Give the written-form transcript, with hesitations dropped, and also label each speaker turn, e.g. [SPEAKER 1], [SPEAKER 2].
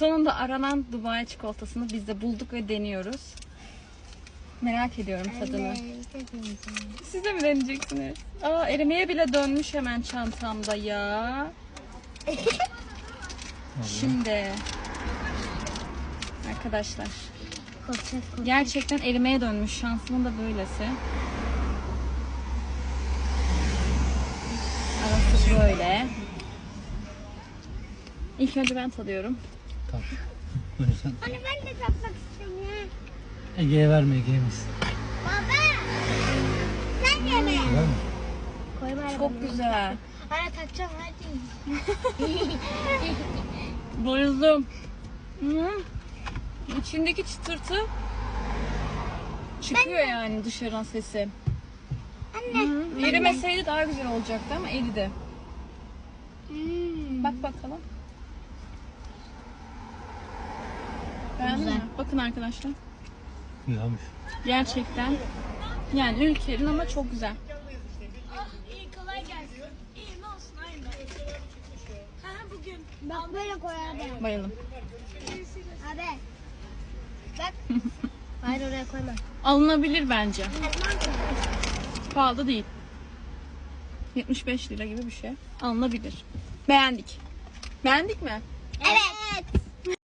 [SPEAKER 1] Sonunda aranan Dubai çikolatasını biz de bulduk ve deniyoruz. Merak ediyorum tadını. Siz de mi deneyeceksiniz? Aa, erimeye bile dönmüş hemen çantamda ya. Şimdi arkadaşlar gerçekten erimeye dönmüş. Şansımın da böylesi. Arası böyle. İlk önce ben tadıyorum.
[SPEAKER 2] Tamam. Buyursan.
[SPEAKER 3] Anne ben de tatmak istiyorum.
[SPEAKER 2] Ege'ye verme, Ege'ye yemesin.
[SPEAKER 3] Baba. Sen yeme.
[SPEAKER 2] Ver mi?
[SPEAKER 3] Koyma.
[SPEAKER 1] Çok güzel.
[SPEAKER 3] Anne takacağım hadi.
[SPEAKER 1] Bayıldım. İçindeki çıtırtı çıkıyor yani dışarıdan sesi.
[SPEAKER 3] Anne.
[SPEAKER 1] Erimeseydi daha güzel olacaktı ama eridi. Bak bakalım. Beğendin mi? Bakın arkadaşlar.
[SPEAKER 2] Güzelmiş.
[SPEAKER 1] Gerçekten. Yani ülkenin ama çok güzel.
[SPEAKER 4] İyi kolay gelsin. İyi ne olsun aynı. Ha bugün.
[SPEAKER 3] Bak böyle koy abi.
[SPEAKER 1] Bayıldım.
[SPEAKER 3] Abi. Bak. Hayır oraya koyma.
[SPEAKER 1] Alınabilir bence.
[SPEAKER 3] Elman koy.
[SPEAKER 1] Pahalı değil. 75 lira gibi bir şey. Alınabilir. Beğendik. Beğendik mi?
[SPEAKER 3] Evet.